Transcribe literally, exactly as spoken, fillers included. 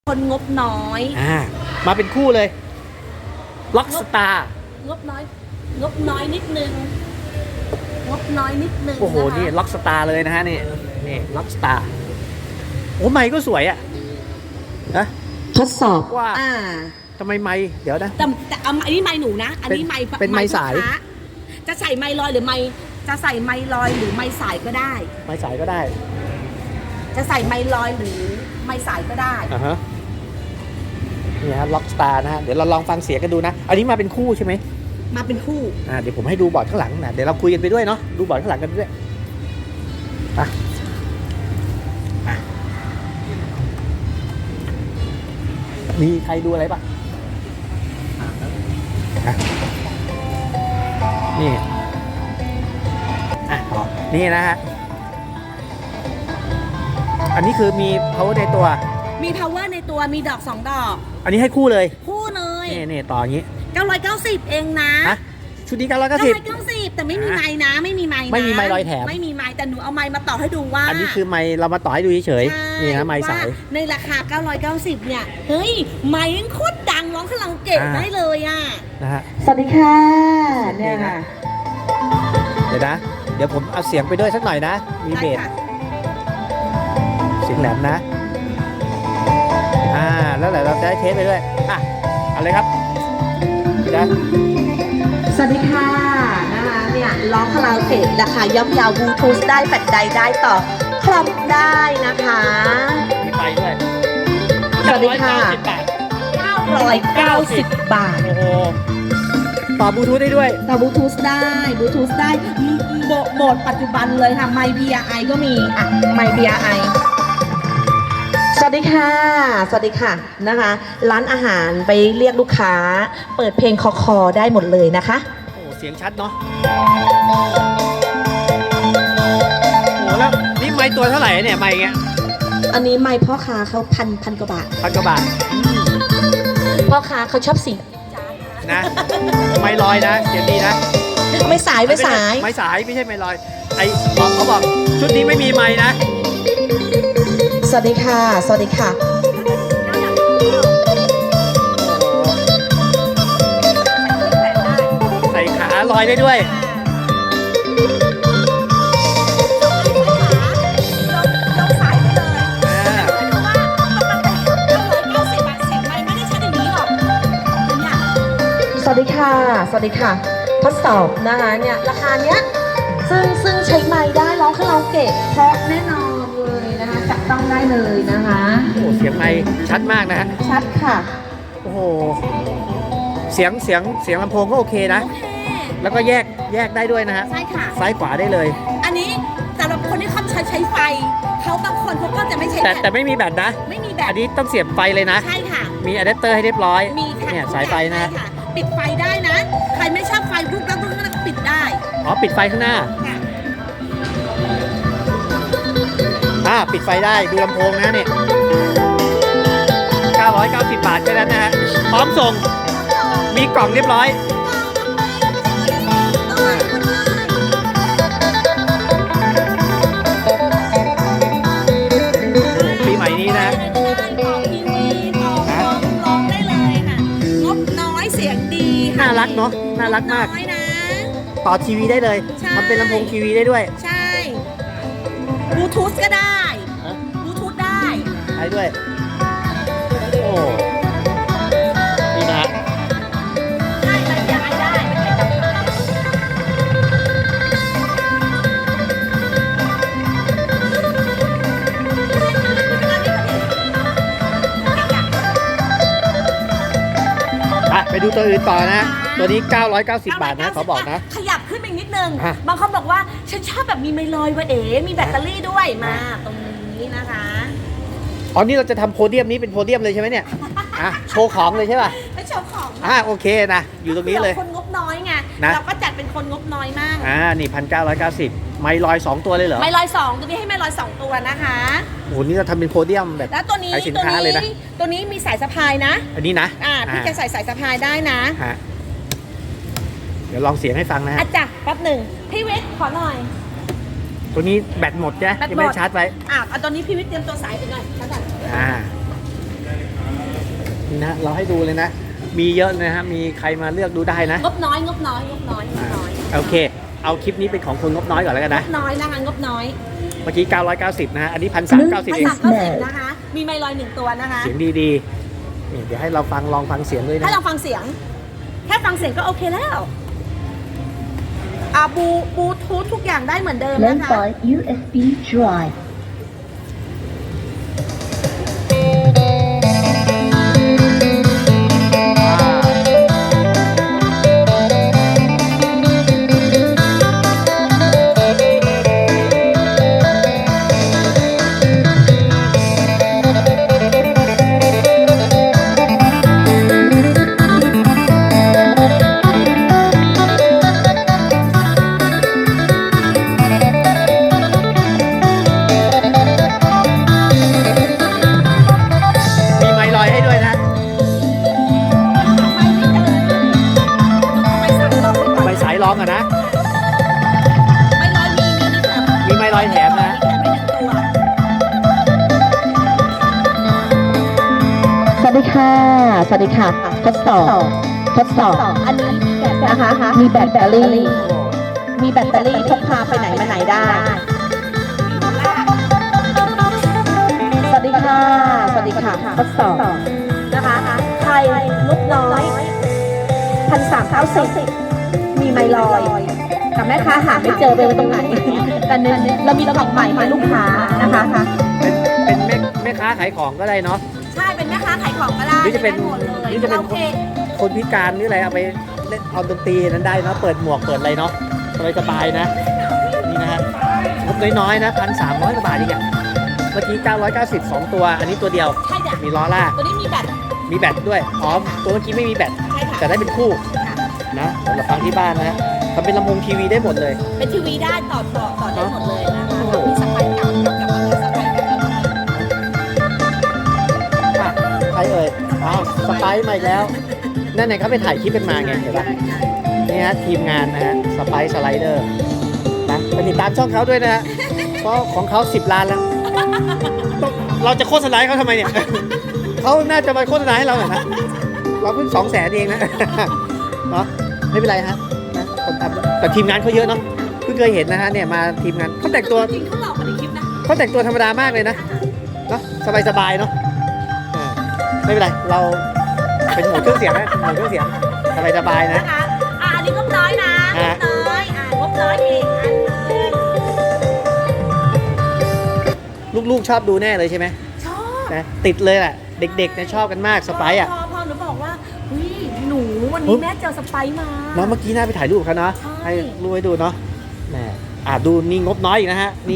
คนงบน้อยอ่ามาเป็นคู่เลยล็อกสตาร์งบน้อย งบน้อยนิดนึงงบน้อยนิดนึงโอ้โหนะคะนี่ล็อกสตาร์เลยนะฮะนี่นี่ล็อกสตาร์โอ้ไมค์ก็สวยอ่ะนะทดสอบว่าอ่าทำไมไมค์เดี๋ยวนะแต่แต่เอาอันนี้ไม้หนูนะ อันนี้ไม้เป็นไมค์สายลูกค้จะใส่ไม้ลอยหรือไม้จะใส่ไม้ลอยหรือไม้สายก็ได้ไมค์สายก็ได้จะใส่ไม้ลอยหรือไม้สายก็ได้อ่าฮะนี่ฮะล็อกสตาร์นะฮะเดี๋ยวเราลองฟังเสียงกันดูนะอันนี้มาเป็นคู่ใช่ไหมมาเป็นคู่อ่าเดี๋ยวผมให้ดูบอร์ดข้างหลังนะเดี๋ยวเราคุยกันไปด้วยเนาะดูบอร์ดข้างหลังกันด้วยอ่ะอ่ะมีใครดูอะไรปะอ่ะนี่อ่ะต่อนี่นะฮะอันนี้คือมี power ในตัวมี power ในตัวมีดอกสองดอกอันนี้ให้คู่เลยคู่เลยนี่นี่ต่ออย่างนี้เก้าร้อยเก้าสิบเองนะฮะชุดนี้เก้าร้อยเก้าสิบเก้าสิบแต่ไม่มีไม้นะ ไม่มีไม้นะไม่มีไมค์ลอยแถมไม่มีไม้แต่หนูเอาไม้มาต่อให้ดูว่าอันนี้คือไมค์เรามาต่อให้ดูเฉยใช่ๆนี่นะไมค์สายว่าในราคาเก้าร้อยเก้าสิบเนี่ยเฮ้ยไม้ยังโคตรดังร้องคาราโอเกะอ่าได้เลยอ่ะนะฮะสวัสดีค่ะเนี่ยค่ะ เดี๋ยวนะ เดี๋ยวผมเอาเสียงไปด้วยสักหน่อยนะ มีเบสได้ค่ะเสียงแหลมนะ อ่า แล้วเดี๋ยวเราจะได้เทสไปด้วย อ่ะเอาเลยครับนะสวัสดีค่ะนะคะเนี่ยร้องคาราโอเกะราคาย่อมเยาวบลูทูธได้แบตใดได้ต่อคลอมได้นะคะมีไฟด้วยสวัสดีค่ะเก้าร้อยเก้าสิบเก้าร้อยเก้าสิบบาทโอ้โห ต่อบลูทูธได้ด้วยต่อบลูทูธได้บลูทูธได้โหมดโหมดปัจจุบันเลยค่ะไมค์ บี อาร์ ไอ ก็มีอ่ะไมค์ บี อาร์ ไอ สวัสดีค่ะ สวัสดีค่ะนะคะ ร้านอาหารไปเรียกลูกค้า เปิดเพลงคอคอได้หมดเลยนะคะโอ้เสียงชัดเนาะ โอ้แล้วนี่ไมค์ตัวเท่าไหร่เนี่ยไมค์เงี้ยอันนี้ไมค์พ่อค้าเขาพันพันกว่าบาทพันกว่าบาทพ่อค้าเขาชอบสีนะ ไมค์ลอยนะเสียงดีนะไม่สายไม่สายไม้สายไม่ใช่ไม้ลอยไอ้บอกเขาบอกชุดนี้ไม่มีไม้นะสวัสดีค่ะ สวัสดีค่ะใส่ขาลอยได้ด้วยอ่าสวัสดีค่ะ สวัสดีค่ะ ทดสอบนะคะเนี่ยราคาเนี้ยซึ่งซึ่งใช้ไม้ได้ร้องคาราโอเกะเพราะแน่นอนเลยนะคะจับต้องได้เลยนะคะโอ้เสียงไม้ชัดมากนะฮะชัดค่ะโอ้โหเสียงเสียงเสียงลำโพงก็โอเคนะโอเคแล้วก็แยกแยกได้ด้วยนะฮะใช่ค่ะซ้ายขวาได้เลยอันนี้สำหรับคนที่เขาใช้ใช้ไฟเขาบางคนเขาก็จะไม่ใช้แต่แบแต่บไม่มีแบตนะไม่มีแบบอันนี้ต้องเสียบไฟเลยนะใช่ค่ะมีอะแดปเตอร์ให้เรียบร้อยมีค่ะเนี่ยสายไฟนะใช่ค่ะปิดไฟได้นะ ใครไม่ชอบไฟปุ๊บแล้วปุ๊บก็ปิดได้อ๋อปิดไฟข้างหน้าค่ะอ่าปิดไฟได้ดูลำโพงนะเนี่ยเก้าร้อยเก้าสิบบาทแค่นั้นนะฮะพร้อมส่งมีกล่องเรียบร้อยปีใหม่นี้นะต่อทีวีต่อร้องร้องได้เลยค่ะงบน้อยเสียงดีค่ะน่ารักเนาะน่ารักมากน้อยนะต่อทีวีได้เลยใช่มันเป็นลำโพงทีวีได้ด้วยใช่บลูทูธก็ได้ฮะบลูทูธได้ได้ด้วย โอ้นี่นะฮะได้ไมค์ บี อาร์ ไอ ได้ไม่ใช่จับได้อ่ะไปดูตัวอื่นต่อนะ ตัวนี้ เก้าร้อยเก้าสิบบาทนะเขาบอกนะขยับขึ้นไปอีกนิดนึงอ่ะบางคนบอกว่าฉันชอบแบบมีไมลอยว่ะเอ๋มีแบตเตอรี่ด้วยมาตรงนี้นะคะอ๋อนี่เราจะทำโพเดียมนี้เป็นโพเดียมเลยใช่ไหมเนี่ย อ่ะโชว์ของเลยใช่ป่ะไม่ชอบของอ่ะโอเคนะ อยู่ตรงนี้เลยคนงบน้อยไงนะเราก็จัดเป็นคนงบน้อยมากอ่า นี่พันเก้าร้อยเก้าสิบไมลอยสองตัวเลยเหรอไมลอยสองตัวนี้ให้ไมลอยสองตัวนะคะโอ้โห นี่เราทำเป็นโพเดียมแบบแล้วตัวนี้ขายสินตัวค้าเลยนะนี้ตัวนี้มีสายสะพายนะอันนี้นะอ่าพี่จะใส่สายสะพายได้นะฮะเดี๋ยวลองเสียงให้ฟังนะฮะอ่ะจ้ะแป๊บหนึ่งพี่วิทย์ขอหน่อยตัวนี้แบตหมดใช่ไหมแบตหมดยังไม่ได้ชาร์จไว้อ่ะเอาตอนนี้พี่วิทย์เตรียมตัวสายไปหน่อยชาร์จก่อนอ่านี่นะเราให้ดูเลยนะ มีเยอะนะฮะมีใครมาเลือกดูได้นะงบน้อยงบน้อยงบน้อยงบน้อยโอเค เอาคลิปนี้เป็นของคนงบน้อยก่อนแล้วกันงนะบน้อยนะคะงบน้อยเมื่อกี้เก้าร้อยเก้าสิบนะฮะอันนี้หนึ่งพันสามร้อยเก้าสิบพันเองสามเก้าสิบนะคะ มีไมค์ลอยหนึ่งตัวนะคะเสียงดีๆนี่เดี๋ยวให้เราฟังลองฟังเสียงด้วยนะถ้าเราฟังเสียง แค่ฟังเสียงก็โอเคแล้วอ่าบูบูทูธทุกอย่างได้เหมือนเดิม Lend นะคะ by ยู เอส บี drive. มีไมค์ลอยให้ด้วยนะไม่สั่งลองไว้ก่อนไปสายร้องอะนะไม่ลอยมีมีมีแบบมีไมค์ลอยแถมนะแถมไม่หนึ่งตัวสวัสดีค่ะ สวัสดีค่ะ ทดสอบ ทดสอบอันนี้มีแบบนะคะ มีแบตเตอรี่ มีแบตเตอรี่พกพาไปไหนมาไหนได้ สวัสดีค่ะ สวัสดีค่ะ ทดสอบ นะคะไทยงบน้อยพันสามเก้าสิบมีไมลอย แต่แม่ค้าหาไม่เจอไปไว้ตรงไหน แต่เน้นเรามีของใหม่ให้ลูกค้านะคะเป็นเป็นแม่แม่ค้าขายของก็ได้เนาะใช่เป็นแม่ค้าขายของก็ได้หรือจะเป็นได้หมดเลยหรือจะเป็นโอเคคนพิการหรืออะไรเอาไปเล่นเอาดนตรีนั้นได้เนาะเปิดหมวกเปิดอะไรเนาะสบายๆนะนี่นะฮะงบน้อยๆนะพันสามร้อยกว่าบาทอีกอะเมื่อกี้เก้าร้อยเก้าสิบสองตัวอันนี้ตัวเดียวใช่จ้ะมีล้อลากตัวนี้มีแบตมีแบตด้วยอ๋อตัวเมื่อกี้ไม่มีแบตใช่ค่ะแต่ได้เป็นคู่นะสำหรับฟังที่บ้านนะฮะทำเป็นลำโพงทีวีได้หมดเลยเป็นทีวีได้ต่อต่อต่อได้หมดเลยนะคะโอ้โหมีสไปร์เก่ากับกับอะไรสไปร์เก่าค่ะใครเอ่ยอ้าวสไปซ์มาอีกแล้วนั่นไงเขาไปถ่ายคลิปกันมาไงเห็นปะนี่ฮะทีมงานนะฮะสไปซ์สไลเดอร์นะไปติดตามช่องเขาด้วยนะฮะเพราะของเขาสิบล้านแล้วต้องเราจะโฆษณาให้เขาทำไมเนี่ย เขาน่าจะมาโฆษณาให้เราหน่อยนะเราเพิ่งสองแสนเองนะ เนาะไม่เป็นไรฮะนะคนทำแต่ทีมงานเขาเยอะเนาะเพิ่งเคยเห็นนะฮะเนี่ยมาทีมงานเขาแต่งตัวจริงเขาหลอกมาในคลิปนะเขาแต่งตัวธรรมดามากเลยนะเนาะสบายๆเนาะอ่าไม่เป็นไรเราเป็นหมวดเครื่องเสียงนะหมวดเครื่องเสียงสบายๆนะนะคะอ่าอันนี้งบน้อยนะงอ่ะบน้อยอ่างบน้อยอีกอันหนึงลูกๆชอบดูแน่เลยใช่ไหมชอบนะติดเลยแหละเด็กๆเนี่ยชอบกันมากสไปซ์อ่ะพอพอหนูบอกว่าเฮ้ยหนูวันเฮ้นี้ยแม่เจอสไปร์มาเนาะเมื่อกี้น่าไปถ่ายรูปกับเขาเนาะใช่ให้รูปให้ดูเนาะแหมอ่าดูนี่งบน้อยอีกนะฮะนี่